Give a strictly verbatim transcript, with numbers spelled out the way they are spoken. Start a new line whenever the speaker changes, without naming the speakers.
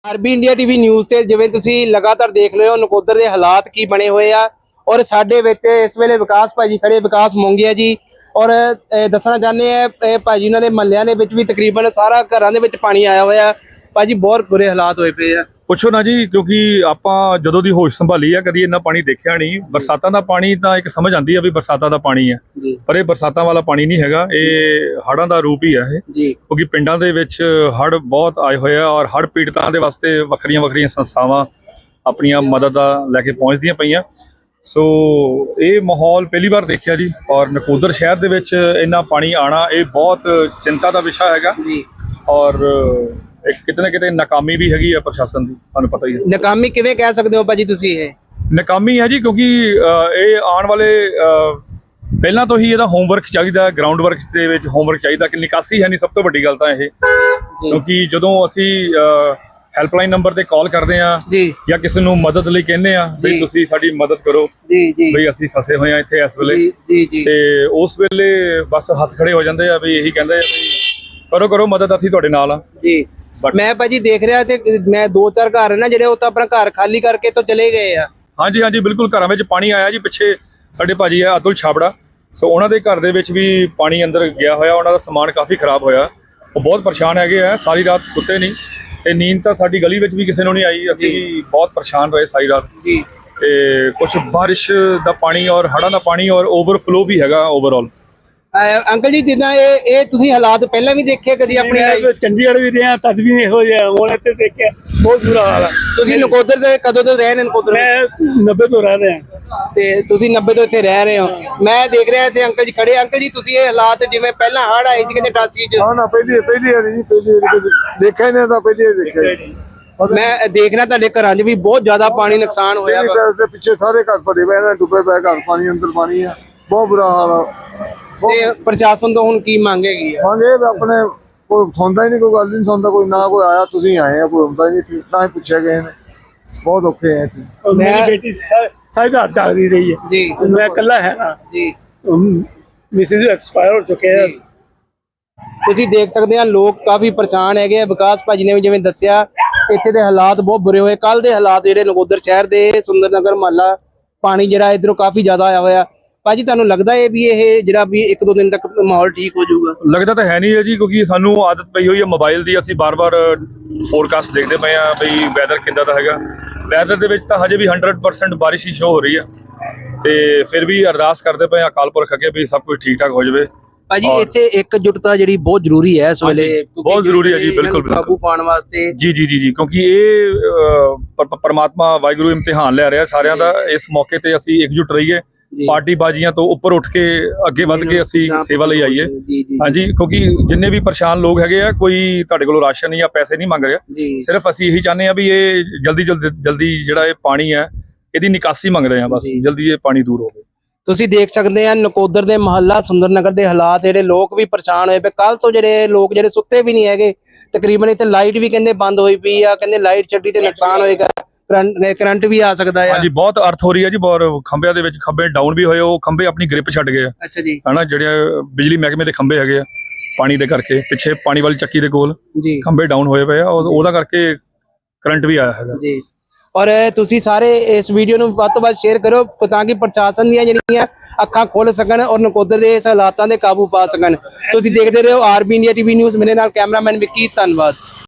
RB India TV news ਤੇ ਜਿਵੇਂ ਤੁਸੀਂ ਲਗਾਤਾਰ ਦੇਖ ਰਹੇ ਹੋ ਨਕੋਦਰ ਦੇ ਹਾਲਾਤ ਕੀ ਬਣੇ ਹੋਏ ਆ ਔਰ ਸਾਡੇ ਵਿੱਚ ਇਸ ਵੇਲੇ ਵਿਕਾਸ ਭਾਜੀ ਖੜੇ ਵਿਕਾਸ ਮੋਂਗਿਆ ਜੀ ਔਰ ਅਹ, ਦੱਸਣਾ ਚਾਹੁੰਦੇ ਆ ਇਹ ਭਾਜੀ ਉਹਨਾਂ ਦੇ ਮਹੱਲਿਆਂ ਦੇ ਵਿੱਚ ਵੀ ਤਕਰੀਬਨ ਸਾਰਾ ਘਰਾਂ ਦੇ ਵਿੱਚ ਪਾਣੀ ਆਇਆ ਹੋਇਆ ਭਾਜੀ ਬਹੁਤ ਬੁਰੇ ਹਾਲਾਤ ਹੋਏ ਪਏ ਆ।
ਪੁੱਛੋ ਨਾ ਜੀ, ਕਿਉਂਕਿ ਆਪਾਂ ਜਦੋਂ ਦੀ ਹੋਸ਼ ਸੰਭਾਲੀ ਆ ਕਦੀ ਇੰਨਾ ਪਾਣੀ ਦੇਖਿਆ ਨਹੀਂ। ਬਰਸਾਤਾਂ ਦਾ ਪਾਣੀ ਤਾਂ ਇੱਕ ਸਮਝ ਆਉਂਦੀ ਆ ਵੀ ਬਰਸਾਤਾਂ ਦਾ ਪਾਣੀ ਆ, ਪਰ ਇਹ ਬਰਸਾਤਾਂ ਵਾਲਾ ਪਾਣੀ ਨਹੀਂ ਹੈਗਾ, ਇਹ ਹੜ੍ਹਾਂ ਦਾ ਰੂਪ ਹੀ ਆ ਇਹ।
ਜੀ
ਕਿਉਂਕਿ ਪਿੰਡਾਂ ਦੇ ਵਿੱਚ ਹੜ੍ਹ ਬਹੁਤ ਆਏ ਹੋਏ ਆ ਔਰ ਹੜ੍ਹ ਪੀੜਤਾਂ ਦੇ ਵਾਸਤੇ ਵੱਖਰੀਆਂ ਵੱਖਰੀਆਂ ਸੰਸਥਾਵਾਂ ਆਪਣੀਆਂ ਮਦਦ ਦਾ ਲੈ ਕੇ ਪਹੁੰਚਦੀਆਂ ਪਈਆਂ। ਸੋ ਇਹ ਮਾਹੌਲ ਪਹਿਲੀ ਵਾਰ ਦੇਖਿਆ ਜੀ ਔਰ ਨਕੋਦਰ ਸ਼ਹਿਰ ਦੇ ਵਿੱਚ ਇੰਨਾ ਪਾਣੀ ਆਣਾ ਇਹ ਬਹੁਤ ਚਿੰਤਾ ਦਾ ਵਿਸ਼ਾ ਹੈਗਾ
ਜੀ
ਔਰ ਇੱਕ ਕਿਤੇ ਨਾ ਕਿਤੇ ਨਾਕਾਮੀ ਵੀ ਹੈਗੀ ਆ ਪ੍ਰਸ਼ਾਸਨ ਦੀ, ਤੁਹਾਨੂੰ ਪਤਾ ਹੀ ਹੈ।
ਨਾਕਾਮੀ ਕਿਵੇਂ ਕਹਿ ਸਕਦੇ ਹੋ ਭਾਜੀ ਤੁਸੀਂ? ਇਹ
ਨਾਕਾਮੀ ਹੈ ਜੀ ਕਿਉਂਕਿ ਅਹ, ਇਹ ਆਉਣ ਵਾਲੇ ਅਹ, ਪਹਿਲਾਂ ਤੋਂ ਹੀ ਇਹਦਾ ਹੋਮਵਰਕ ਚਾਹੀਦਾ, ਗਰਾਊਂਡ ਵਰਕ ਦੇ ਵਿੱਚ ਹੋਮਵਰਕ ਚਾਹੀਦਾ ਕਿ ਨਿਕਾਸੀ ਹੈ ਨਹੀਂ। ਸਭ ਤੋਂ ਵੱਡੀ ਗੱਲ ਤਾਂ ਇਹ, ਕਿਉਂਕਿ ਜਦੋਂ ਅਸੀਂ ਹੈਲਪਲਾਈਨ ਨੰਬਰ ਤੇ ਕਾਲ ਕਰਦੇ ਆ
ਜੀ
ਜਾਂ ਕਿਸੇ ਨੂੰ ਮਦਦ ਲਈ ਕਹਿੰਦੇ ਆ ਵੀ ਤੁਸੀਂ ਸਾਡੀ ਮਦਦ ਕਰੋ
ਜੀ ਜੀ
ਬਈ ਅਸੀਂ ਫਸੇ ਹੋਏ ਆ ਇੱਥੇ ਇਸ ਵੇਲੇ,
ਜੀ ਜੀ
ਤੇ ਉਸ ਵੇਲੇ ਬਸ ਹੱਥ ਖੜੇ ਹੋ ਜਾਂਦੇ ਆ ਵੀ ਇਹੀ ਕਹਿੰਦੇ ਆ ਵੀ ਕਰੋ ਕਰੋ ਮਦਦ, ਅਸੀਂ ਤੁਹਾਡੇ ਨਾਲ ਆ।
ਜੀ ਮੈਂ ਭਾਜੀ ਦੇਖ ਰਿਹਾ ਤੇ ਮੈਂ ਦੋ ਚਾਰ ਘਰ ਨਾ ਜਿਹੜੇ ਉਹ ਤਾਂ ਆਪਣਾ ਘਰ ਖਾਲੀ ਕਰਕੇ ਤੋਂ ਚਲੇ ਗਏ ਆ।
ਹਾਂਜੀ ਹਾਂਜੀ ਬਿਲਕੁਲ, ਘਰਾਂ ਵਿੱਚ ਪਾਣੀ ਆਇਆ ਜੀ। ਪਿੱਛੇ ਸਾਡੇ ਭਾਜੀ ਆ ਅਤੁਲ ਛਾਬੜਾ, ਸੋ ਉਹਨਾਂ ਦੇ ਘਰ ਦੇ ਵਿੱਚ ਵੀ ਪਾਣੀ ਅੰਦਰ ਗਿਆ ਹੋਇਆ, ਉਹਨਾਂ ਦਾ ਸਮਾਨ ਕਾਫੀ ਖਰਾਬ ਹੋਇਆ, ਉਹ ਬਹੁਤ ਪਰੇਸ਼ਾਨ ਹੈਗੇ ਆ, ਸਾਰੀ ਰਾਤ ਸੁੱਤੇ ਨਹੀਂ ਤੇ ਨੀਂਦ ਤਾਂ ਸਾਡੀ ਗਲੀ ਵਿੱਚ ਵੀ ਕਿਸੇ ਨੂੰ ਨਹੀਂ ਆਈ, ਅਸੀਂ ਵੀ ਬਹੁਤ ਪਰੇਸ਼ਾਨ ਰਹੇ ਸਾਰੀ ਰਾਤ।
ਜੀ
ਤੇ ਕੁਝ ਬਾਰਿਸ਼ ਦਾ ਪਾਣੀ ਔਰ ਹੜ੍ਹਾਂ ਦਾ ਪਾਣੀ ਔਰ ਓਵਰਫਲੋ ਵੀ ਹੈਗਾ ਓਵਰਆਲ।
ਅੰਕਲ ਜੀ ਜਿੱਦਾਂ ਇਹ ਇਹ ਤੁਸੀਂ ਹਾਲਾਤ ਪਹਿਲਾਂ ਵੀ ਦੇਖੇ ਕਦੀ ਆਪਣੀ ਲਾਈਫ?
ਚੰਡੀਗੜ੍ਹ ਵੀ ਰਿਹਾ ਤਦ ਵੀ ਇਹੋ ਜਿਹਾ, ਹੁਣ ਇੱਥੇ ਦੇਖਿਆ ਬਹੁਤ ਬੁਰਾ ਹਾਲ ਹੈ।
ਤੁਸੀਂ ਨਕੋਦਰ ਦੇ ਕਦੋਂ ਤੋਂ ਰਹਿ ਰਹੇ ਨਕੋਦਰ?
ਮੈਂ ਨੱਬੇ ਤੋਂ ਰਹਿ ਰਿਹਾ
ਤੇ ਤੁਸੀਂ ਨੱਬੇ ਤੋਂ ਇੱਥੇ ਰਹਿ ਰਹੇ ਹੋ। ਮੈਂ ਦੇਖ ਰਿਹਾ ਇੱਥੇ ਅੰਕਲ ਜੀ ਖੜੇ। ਅੰਕਲ ਜੀ ਤੁਸੀਂ ਇਹ ਹਾਲਾਤ ਜਿਵੇਂ ਪਹਿਲਾਂ ਹੜ੍ਹ ਆਏ ਸੀ ਕਿਤੇ ਅਠਾਸੀ ਚ?
ਹਾਂ ਨਾ ਪਹਿਲੀ ਪਹਿਲੀ ਵਾਰੀ ਜੀ, ਪਹਿਲੀ ਵਾਰੀ ਦੇਖਿਆ ਹੀ ਨਹੀਂ ਤਾਂ ਪਹਿਲੀ ਵਾਰੀ ਦੇਖਿਆ ਜੀ।
ਮੈਂ ਦੇਖਣਾ ਤੁਹਾਡੇ ਘਰਾਂ 'ਚ ਵੀ ਬਹੁਤ ਜ਼ਿਆਦਾ ਪਾਣੀ ਨੁਕਸਾਨ ਹੋਇਆ ਵਾ।
ਘਰ ਦੇ ਪਿੱਛੇ ਸਾਰੇ ਘਰ ਭਰੇ ਪਏ ਨੇ, ਡੁੱਬੇ ਪਏ ਘਰ, ਪਾਣੀ ਅੰਦਰ ਪਾਣੀ ਆ, ਬਹੁਤ ਬੁਰਾ ਹਾਲ ਆ।
ਤੇ ਪ੍ਰਸ਼ਾਸਨ ਤੋਂ ਹੁਣ ਕੀ ਮੰਗ ਹੈਗੀ ਆ?
ਮੰਗੇ ਆਪਣੇ ਕੋਈ ਸੁਣਦਾ ਹੀ ਨਹੀਂ, ਕੋਈ ਗੱਲ ਨਹੀਂ ਸੁਣਦਾ, ਕੋਈ ਨਾ ਕੋਈ ਆਇਆ ਤੁਸੀਂ ਆਏ ਆ, ਕੋਈ ਹੁੰਦਾ ਹੀ ਨਹੀਂ, ਨਾ ਹੀ ਪੁੱਛਿਆ ਗਏ ਨੇ, ਬਹੁਤ ਔਖੇ ਆ ਇੱਥੇ।
ਮੇਰੀ ਬੇਟੀ ਸਾਰੀ ਰਾਤ ਜਾਗ ਰਹੀ ਹੈ
ਜੀ
ਮੈਂ ਇਕੱਲਾ ਹੈ ਨਾ
ਜੀ
ਮਿਸਿਸ ਐਕਸਪਾਇਰ ਹੋ ਚੁੱਕੇ ਆ।
ਤੁਸੀਂ ਦੇਖ ਸਕਦੇ ਆ ਲੋਕ ਕਾਫੀ ਪਰੇਸ਼ਾਨ ਹੈਗੇ ਆ। ਵਿਕਾਸ ਭਾਜੀ ਨੇ ਵੀ ਜਿਵੇਂ ਦੱਸਿਆ ਇੱਥੇ ਦੇ ਹਾਲਾਤ ਬਹੁਤ ਬੁਰੇ ਹੋਏ। ਕੱਲ ਦੇ ਹਾਲਾਤ ਜਿਹੜੇ ਨਕੋਦਰ ਸ਼ਹਿਰ ਦੇ ਸੁੰਦਰ ਨਗਰ ਮਹੱਲਾ ਪਾਣੀ ਜਿਹੜਾ ਇਧਰੋਂ ਕਾਫੀ ਜ਼ਿਆਦਾ ਆਇਆ ਹੋਇਆ। ਭਾਜੀ ਤੁਹਾਨੂੰ ਲੱਗਦਾ ਹੈ ਵੀ ਇਹ ਜਿਹੜਾ ਵੀ ਇੱਕ ਦੋ ਦਿਨ ਤੱਕ ਮਾਹੌਲ ਠੀਕ ਹੋ ਜਾਊਗਾ?
ਲੱਗਦਾ ਤਾਂ ਹੈ ਨਹੀਂ ਹੈ ਜੀ, ਕਿਉਂਕਿ ਸਾਨੂੰ ਆਦਤ ਪਈ ਹੋਈ ਹੈ ਮੋਬਾਈਲ ਦੀ, ਅਸੀਂ ਬਾਰ-ਬਾਰ ਫੋਰਕਾਸਟ ਦੇਖਦੇ ਪਏ ਆ ਬਈ ਵੈਦਰ ਕਿੱਦਾਂ ਦਾ ਹੈਗਾ। ਵੈਦਰ ਦੇ ਵਿੱਚ ਤਾਂ ਹਜੇ ਵੀ ਹੰਡਰਡ ਪਰਸੈਂਟ ਬਾਰਿਸ਼ ਹੀ ਸ਼ੋ ਹੋ ਰਹੀ ਹੈ, ਤੇ ਫਿਰ ਵੀ ਅਰਦਾਸ ਕਰਦੇ ਪਏ ਆ ਅਕਾਲ ਪੁਰਖ ਅੱਗੇ ਵੀ ਸਭ ਕੁਝ ਠੀਕ ਠਾਕ ਹੋ ਜਾਵੇ।
ਭਾਜੀ ਇੱਥੇ ਇੱਕਜੁੱਟਤਾ ਜਿਹੜੀ ਬਹੁਤ ਜ਼ਰੂਰੀ ਹੈ ਇਸ ਵੇਲੇ,
ਬਹੁਤ ਜ਼ਰੂਰੀ ਹੈ ਜੀ, ਬਿਲਕੁਲ
ਕਾਬੂ ਪਾਉਣ ਵਾਸਤੇ।
ਜੀ ਜੀ ਜੀ ਜੀ ਕਿਉਂਕਿ ਇਹ ਪਰਮਾਤਮਾ ਵਾਹਿਗੁਰੂ ਇਮਤਿਹਾਨ ਲੈ ਰਿਹਾ ਸਾਰਿਆਂ ਦਾ। ਇਸ ਮੌਕੇ ਤੇ ਅਸੀਂ ਇਕਜੁੱਟ ਰਹੀਏ, ਪਾਰਟੀ ਬਾਜ਼ੀਆਂ ਤੋਂ ਉੱਪਰ ਉੱਠ ਕੇ ਅੱਗੇ ਵੱਧ ਕੇ ਅਸੀਂ ਸੇਵਾ ਲਈ ਆਈਏ। ਹਾਂਜੀ, ਕਿਉਂਕਿ ਜਿੰਨੇ ਵੀ ਪਰੇਸ਼ਾਨ ਲੋਕ ਹੈਗੇ ਆ, ਕੋਈ ਤੁਹਾਡੇ ਕੋਲੋਂ ਰਾਸ਼ਨ ਜਾਂ ਪੈਸੇ ਨਹੀਂ ਮੰਗ ਰਿਹਾ, ਸਿਰਫ ਅਸੀਂ ਇਹੀ ਚਾਹੁੰਦੇ ਆ ਵੀ ਇਹ ਜਲਦੀ ਜਲਦੀ ਜਲਦੀ ਜਿਹੜਾ ਇਹ ਪਾਣੀ ਹੈ ਇਹਦੀ ਨਿਕਾਸੀ ਮੰਗਦੇ ਆ, ਬਸ ਜਲਦੀ ਇਹ ਪਾਣੀ ਦੂਰ ਹੋਵੇ।
ਤੁਸੀਂ ਦੇਖ ਸਕਦੇ ਆ ਨਕੋਦਰ ਦੇ ਮਹੱਲਾ ਸੁੰਦਰ ਨਗਰ ਦੇ ਹਾਲਾਤ, ਜਿਹੜੇ ਲੋਕ ਵੀ ਪਰੇਸ਼ਾਨ ਹੋਏ ਪਏ। ਕੱਲ ਤੋਂ ਜਿਹੜੇ ਲੋਕ ਜਿਹੜੇ ਸੁੱਤੇ ਵੀ ਨਹੀਂ ਹੈਗੇ ਤਕਰੀਬਨ। ਇੱਥੇ ਲਾਈਟ ਵੀ ਕਹਿੰਦੇ ਬੰਦ ਹੋਈ ਪਈ ਆ, ਕਹਿੰਦੇ ਲਾਈਟ ਛੱਡੀ ਤੇ ਨੁਕਸਾਨ ਹੋਏਗਾ, ਕਰੰਟ ਵੀ ਆ ਸਕਦਾ ਹੈ।
ਹਾਂਜੀ ਬਹੁਤ ਅਰਥ ਹੋ ਰਹੀ ਹੈ ਜੀ, ਬਹੁਤ ਖੰਭਿਆਂ ਦੇ ਵਿੱਚ ਖੰਭੇ ਡਾਊਨ ਵੀ ਹੋਏ, ਉਹ ਖੰਭੇ ਆਪਣੀ ਗ੍ਰਿਪ ਛੱਡ ਗਏ ਆ।
ਅੱਛਾ ਜੀ,
ਹਨਾ, ਜਿਹੜੇ ਬਿਜਲੀ ਮਹਿਕਮੇ ਦੇ ਖੰਭੇ ਹੈਗੇ ਆ ਪਾਣੀ ਦੇ ਕਰਕੇ, ਪਿੱਛੇ ਪਾਣੀ ਵਾਲੀ ਚੱਕੀ ਦੇ ਕੋਲ
ਜੀ
ਖੰਭੇ ਡਾਊਨ ਹੋਏ ਪਏ ਆ, ਉਹਦਾ ਕਰਕੇ ਕਰੰਟ ਵੀ ਆਇਆ ਹੈਗਾ
ਜੀ। ਔਰ ਤੁਸੀਂ ਸਾਰੇ ਇਸ ਵੀਡੀਓ ਨੂੰ ਵੱਧ ਤੋਂ ਵੱਧ ਸ਼ੇਅਰ ਕਰੋ ਤਾਂ ਕਿ ਪ੍ਰਸ਼ਾਸਨ ਦੀਆਂ ਜਿਹੜੀਆਂ ਅੱਖਾਂ ਖੁੱਲ ਸਕਣ ਔਰ ਨਕੋਦਰ ਦੇ ਇਸ ਹਾਲਾਤਾਂ ਦੇ ਕਾਬੂ ਪਾ ਸਕਣ। ਤੁਸੀਂ ਦੇਖਦੇ ਰਹੋ ਆਰਬੀ ਇੰਡੀਆ ਟੀਵੀ ਨਿਊਜ਼। ਮੇਰੇ ਨਾਲ ਕੈਮਰਾਮੈਨ ਵਿੱਕੀ, ਧੰਨਵਾਦ।